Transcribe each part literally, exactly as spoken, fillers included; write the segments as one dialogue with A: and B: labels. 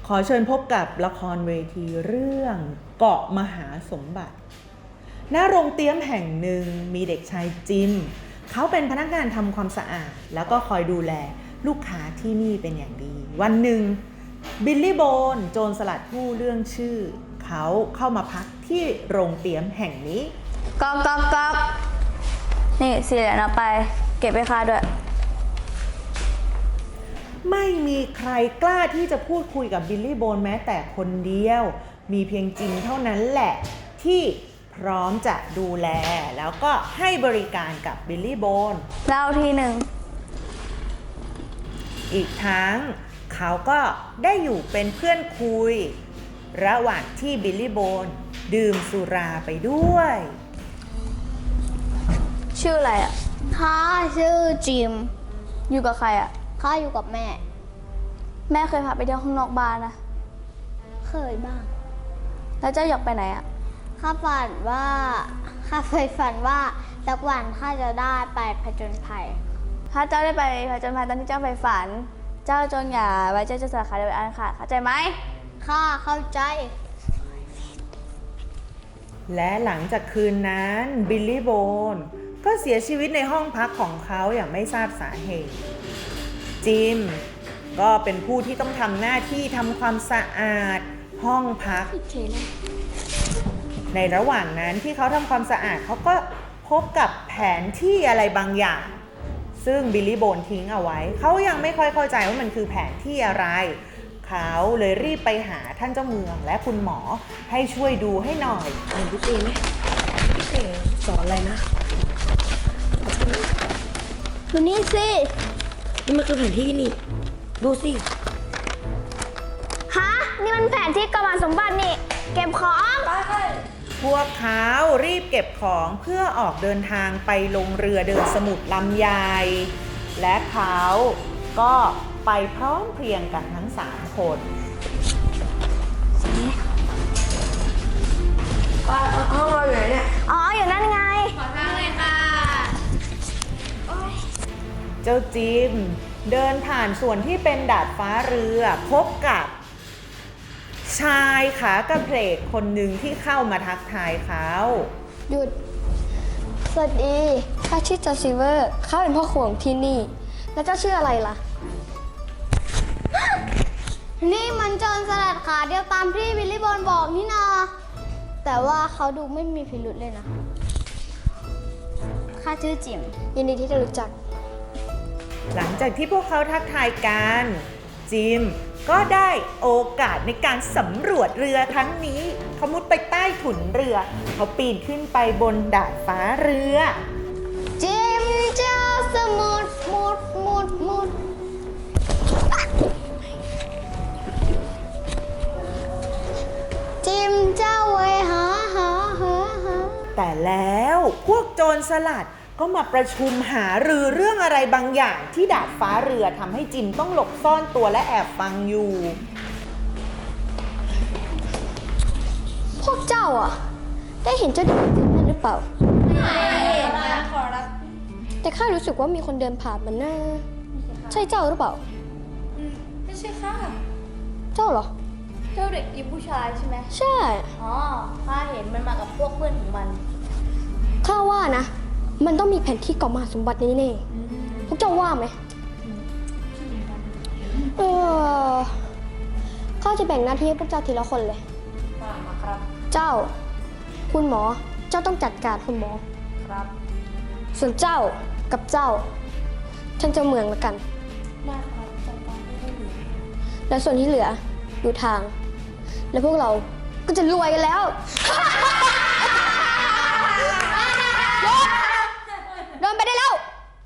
A: ขอเชิญพบกับละครเวทีเรื่องเกาะมหาสมบัติณโรงเตรี๊ยมแห่งหนึ่งมีเด็กชายจิมเขาเป็นพนักงานทำความสะอาดแล้วก็คอยดูแลลูกค้าที่นี่เป็นอย่างดีวันหนึ่งบิลลี่โบนโจรสลัดผู้เรื่องชื่อเขาเข้ามาพักที่โรงเตรี๊ยมแห่งนี้
B: ก๊อกก๊อกก๊อกนี่สี่เหรียญเอาไปเก็บไปค่าด้วย
A: ไม่มีใครกล้าที่จะพูดคุยกับบิลลี่โบนแม้แต่คนเดียวมีเพียงจิมเท่านั้นแหละที่พร้อมจะดูแลแล้วก็ให้บริการกับบิลลี่โบน
B: เล่าทีหนึ่ง
A: อีกทั้งเขาก็ได้อยู่เป็นเพื่อนคุยระหว่างที่บิลลี่โบนดื่มสุราไปด้วย
B: ชื่ออะไรอ่ะ
C: ข้าชื่อจิม
B: อยู่กับใครอ่ะ
C: ข้าอยู่กับแม่
B: แม่เคยพาไปเที่ยวข้างนอกบ้านนะ
C: เคยบ้าง
B: แล้วเจ้าอยากไปไหนอ่ะ
C: ข้าฝันว่าข้าเคยฝันว่าสักวันข้าจะได้ไปผจญภัย
B: ถ้าเจ้าได้ไปผจญภัยตอนที่เจ้าไปฝันเจ้าจงอย่าไว้เจ้าจะสาขาเดียวกันค่ะเข้าใจไหม
C: ข้าเข้าใจ
A: และหลังจากคืนนั้นบิลลี่โบนก็เสียชีวิตในห้องพักของเขาอย่างไม่ทราบสาเหตุจิมก็เป็นผู้ที่ต้องทำหน้าที่ทำความสะอาดห้องพักในระหว่างนั้นที่เขาทำความสะอาดเขาก็พบกับแผนที่อะไรบางอย่างซึ่งบิลลี่โบนทิ้งเอาไว้เขายังไม่ค่อยเข้าใจว่ามันคือแผนที่อะไรเขาเลยรีบไปหาท่านเจ้าเมืองและคุณหมอให้ช่วยดูให้หน่อย
D: หนึ่งพี่ตีไหมพี่เต๋สอนอะไรนะ
C: ดูนี่สิ
D: นี่มันคือแผนที่นี่ดูสิ
C: ฮะนี่มันแผนที่เกาะมหาสมบัตินี่เก็บของ
A: พวกเขารีบเก็บของเพื่อออกเดินทางไปลงเรือเดินสมุทรลำใหญ่และเขาก็ไปพร้อมเพรียงกันทั้งสามคน
D: ห้องเราอยู่ไหนเนี่ย
C: อ๋ออยู่นั่นไง
B: ขอทางเลยค่ะ
A: เจ้าจิมเดินผ่านส่วนที่เป็นดาดฟ้าเรือพบกับชายขากระเพลกคนหนึ่งที่เข้ามาทักทายเขา
E: หยุดสวัสดีข้าชื่อจอซิเวอร์ข้าเป็นพ่อครัวของที่นี่แล้วเจ้าชื่ออะไรล่ะ
C: นี่มันโจรสลัดขาเดียวตามที่บิลลี่บอลบอกนี่นาแต่ว่าเขาดูไม่มีพิรุธเลยนะข้าชื่อจิม
E: ยินดีที่ได้รู้จัก
A: หลังจากที่พวกเขาทักทายกันจิมก็ได้โอกาสในการสำรวจเรือครั้งนี้เขามุดไปใต้ถุนเรือเขาปีนขึ้นไปบนดาดฟ้าเรือ
C: จิมเจ้าสมุดมุดมุดมุดจิมเจ้าไว้หาหาหาหา
A: แต่แล้วพวกโจรสลัดก็มาประชุมหารือเรื่องอะไรบางอย่างที่ดาดฟ้าเรือทำให้จิมต้องหลบซ่อนตัวและแอบฟังอยู่
E: พวกเจ้าอ่ะได้เห็นเจ้าเด็กจิมนั่นหรือเปล่า
B: ไม่เห็นนะขอรับ
E: แต่ข้ารู้สึกว่ามีคนเดินผ่านมันน่าใช่เจ้าหรือเปล่า
B: ไม่ใช่ค่ะ
E: เจ้าเหรอ
B: เจ้าเด็กยิ้มผู้ชายใช่ไหม
E: ใช่
B: อ๋อข้าเห็นมันมากับพวกเพื่อนของมัน
E: ข้าว่านะมันต้องมีแผนที่เกาะมหาสมบัติแน่ๆพวกเจ้าว่าไหมเออข้าจะแบ่งหน้าที่ให้พวกเจ้าทีละคนเลย
B: มาครับ
E: เจ้าคุณหมอเจ้าต้องจัดการคุณหมอ
B: ครับ
E: ส่วนเจ้ากับเจ้าท่านเจ้าเมืองละกัน
B: ได้ครับจัดการให้ดี
E: แล้วส่วนที่เหลืออยู่ทางแล้วพวกเราก็จะรวยกันแล้วเดินไปได้แล้ว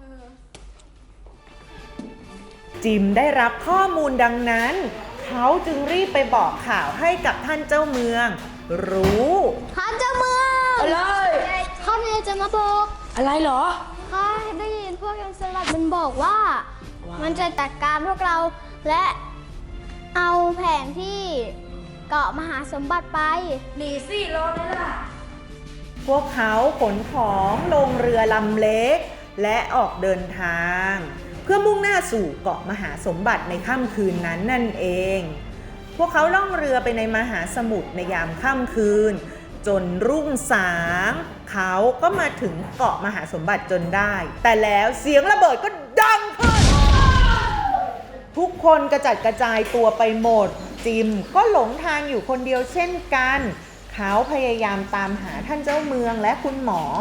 A: จิมได้รับข้อมูลดังนั้นเขาจึงรีบไปบอกข่าวให้กับท่านเจ้าเมืองรู้
C: ท่านเจ้าเมือง
D: อะไร
C: ข้าเนี่ยจะมาบอก
D: อะไรเหรอ
C: ข้าได้ยินพวกโจรสลัดมันบอกว่ามันจะจัดการพวกเราและเอาแผนที่เกาะมหาสมบัติไป
B: หนีสิรอเลยล่ะ
A: พวกเขาขนของลงเรือลำเล็กและออกเดินทางเพื่อมุ่งหน้าสู่เกาะมหาสมบัติในค่ำคืนนั้นนั่นเองพวกเขาล่องเรือไปในมหาสมุทรในยามค่ำคืน จนรุ่งสางเขาก็มาถึงเกาะมหาสมบัติจนได้ แต่แล้วเสียงระเบิดก็ดังขึ้น ทุกคนกระจัดกระจายตัวไปหมด จิมก็หลงทางอยู่คนเดียวเช่นกัน เขาพยายามตามหาท่านเจ้าเมืองและคุณหมอ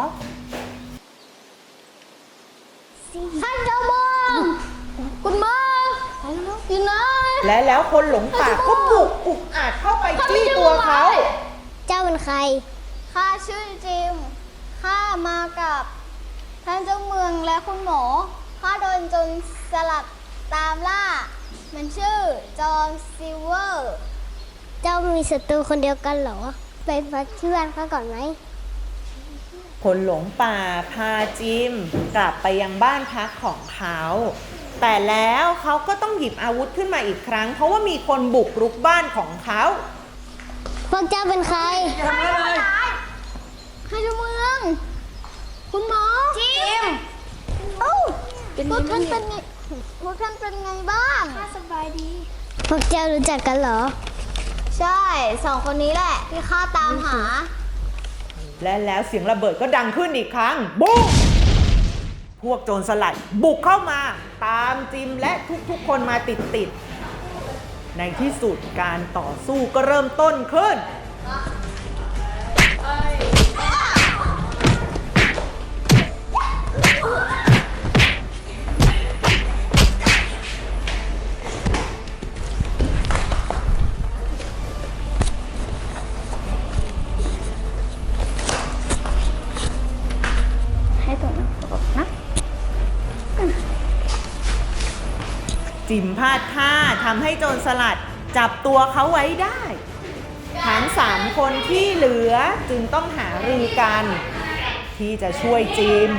C: ท่านเจ้าเมืองคุณหมออยู่ไหน
A: และแล้วคนหลงป่าก็บุกอุกอาจเข้าไปจี้ตัวเขา
C: เจ้าเป็นใครข้าชื่อจิมข้ามากับท่านเจ้าเมืองและคุณหมอข้าโดนโจรสลัดตามล่า มันชื่อจอห์นซิลเวอร์ เจ้ามีศัตรูคนเดียวกันเหรอ ไปพักที่บ้านข้าก่อนไหม
A: คนหลงป่าพาจิมกลับไปยังบ้านพักของเขา แต่แล้วเขาก็ต้องหยิบอาวุธขึ้นมาอีกครั้ง เพราะว่ามีคนบุกรุกบ้านของเขา
C: พวกเจ้าเป็นใคร
D: อย่าทำอะไรเลย
C: ให้เจ้าเมือง คุณหมอ จิมเอ้าพวกท่านเป็นไงพวกท่านเป็นไงบ้างข้าสบายดี พวกเจ้ารู้จักกันเหรอ ใช่ สองคนนี้แหละที่ข้าตามหา
A: และแล้วเสียงระเบิดก็ดังขึ้นอีกครั้งบุ้มพวกโจรสลัดบุกเข้ามาตามจิมและทุกๆคนมาติดๆในที่สุดการต่อสู้ก็เริ่มต้นขึ้น
C: ให้ตัวนั้นตกนะ
A: จิมพลาดท่าทำให้โจรสลัดจับตัวเขาไว้ได้ ทั้งสามคนที่เหลือจึงต้องหารือกัน ที่จะช่วยจิม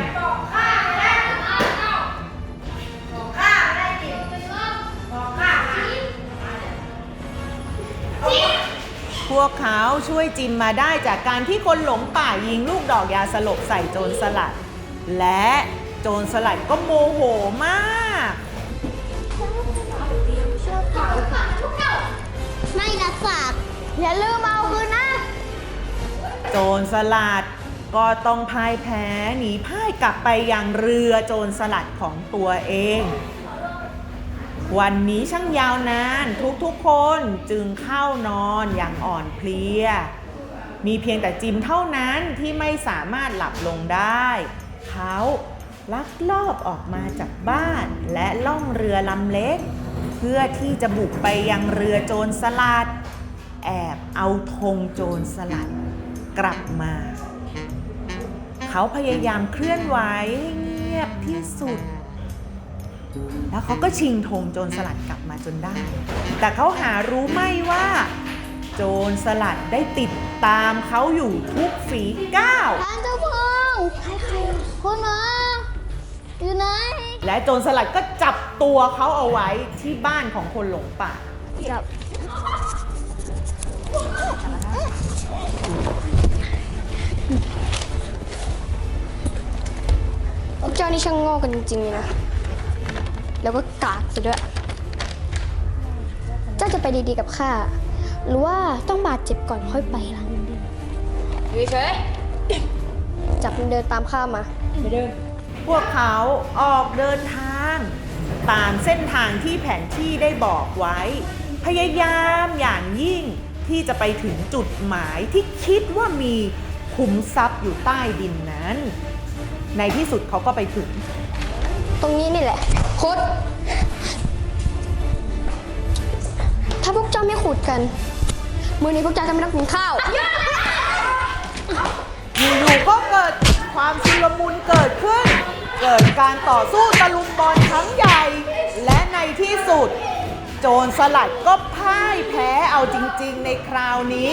A: พวกเขาช่วยจิมมาได้จากการที่คนหลงป่ายิงลูกดอกยาสลบใส่โจรสลัด และโจรสลัดก็โมโหมาก
C: ไม่รับฝาก อย่าลืมเอาคืนนะ
A: โจรสลัดก็ต้องพ่ายแพ้หนีพ่ายกลับไปยังเรือโจรสลัดของตัวเอง วันนี้ช่างยาวนานทุกๆคนจึงเข้านอนอย่างอ่อนเพลีย มีเพียงแต่จิมเท่านั้นที่ไม่สามารถหลับลงได้ เขาลักลอบออกมาจากบ้านและล่องเรือลำเล็ก เพื่อที่จะบุกไปยังเรือโจรสลัด แอบเอาธงโจรสลัดกลับมา เขาพยายามเคลื่อนไหวให้เงียบที่สุด แล้วเขาก็ชิงธงโจรสลัดกลับมาจนได้ แต่เขาหารู้ไม่ว่า โจรสลัดได้ติดตามเขาอยู่ทุกฝีก้าว
C: ท่านเจ้าเมืองคุณหมออยู่ไหน
A: และโจรสลัดก็จับตัวเขาเอาไว้ที่บ้านของคนหลงป่า
C: จับ
E: พวกเจ้านี่ช่างโง่กันจริงๆเลยนะ แล้วก็กากซะด้วย เจ้าจะไปดีๆกับข้า หรือว่าต้องบาดเจ็บก่อนค่อยไปล่ะอยู่เฉยจับมันเดินตามข้ามาไม่เดิน
A: พวกเขาออกเดินทางตามเส้นทางที่แผนที่ได้บอกไว้ พยายามอย่างยิ่งที่จะไปถึงจุดหมายที่คิดว่ามีขุมทรัพย์อยู่ใต้ดินนั้น ในที่สุดเขาก็ไปถึง
E: ตรงนี้นี่แหละขุด ถ้าพวกเจ้าไม่ขุดกัน มื้อนี้พวกเจ้าจะไม่ต้องกินข้าว
A: อยู่ๆก็เกิดความชุลมุนเกิดขึ้น เกิดการต่อสู้ตะลุมบอลครั้งใหญ่ และในที่สุด โจรสลัดก็พ่ายแพ้เอาจริงๆในคราวนี้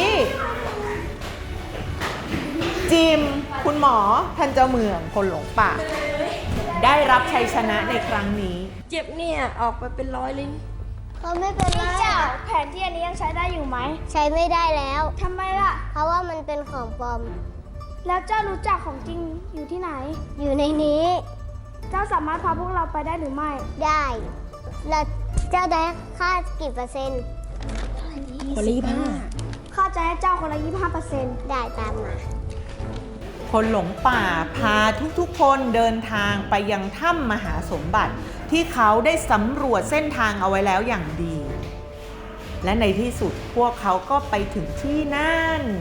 A: จิม คุณหมอ ท่านเจ้าเมือง คนหลงป่า ได้รับชัยชนะในครั้งนี้
D: เจ็บเนี่ย ออกไปเป็นร้อยเลย
C: เขาไม่เป็นไร
B: เจ้าแผนที่อันนี้ยังใช้ได้อยู่ไหม
C: ใช้ไม่ได้แล้ว
B: ทำไมล่ะ
C: เพราะว่ามันเป็นของปลอม
B: แล้วเจ้ารู้จักของจริงอยู่ที่ไหน
C: อยู่ในนี้
B: เจ้าสามารถพาพวกเราไปได้หรือไม่
C: ได้ แล้วเจ้าได้ค่ากี่เปอร์เซ็นต์
B: เ
D: คนละยี่ห้า
E: ข้าจะให้เจ้าคนละยี่สิบห้าเปอร์เซ็นต์ได้ตามมา
A: คนหลงป่าพาทุกๆคนเดินทางไปยังถ้ำมหาสมบัติที่เขาได้สำรวจเส้นทางเอาไว้แล้วอย่างดี และในที่สุดพวกเขาก็ไปถึงที่นั่น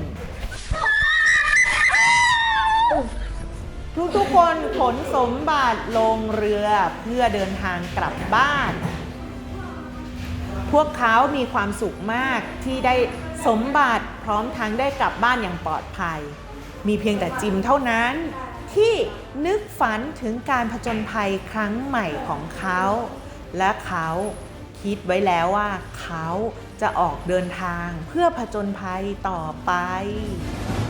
A: ทุกๆคนขนสมบัติลงเรือเพื่อเดินทางกลับบ้าน พวกเขามีความสุขมากที่ได้สมบัติพร้อมทั้งได้กลับบ้านอย่างปลอดภัย มีเพียงแต่จิมเท่านั้นที่นึกฝันถึงการผจญภัยครั้งใหม่ของเขา และเขาคิดไว้แล้วว่าเขาจะออกเดินทางเพื่อผจญภัยต่อไป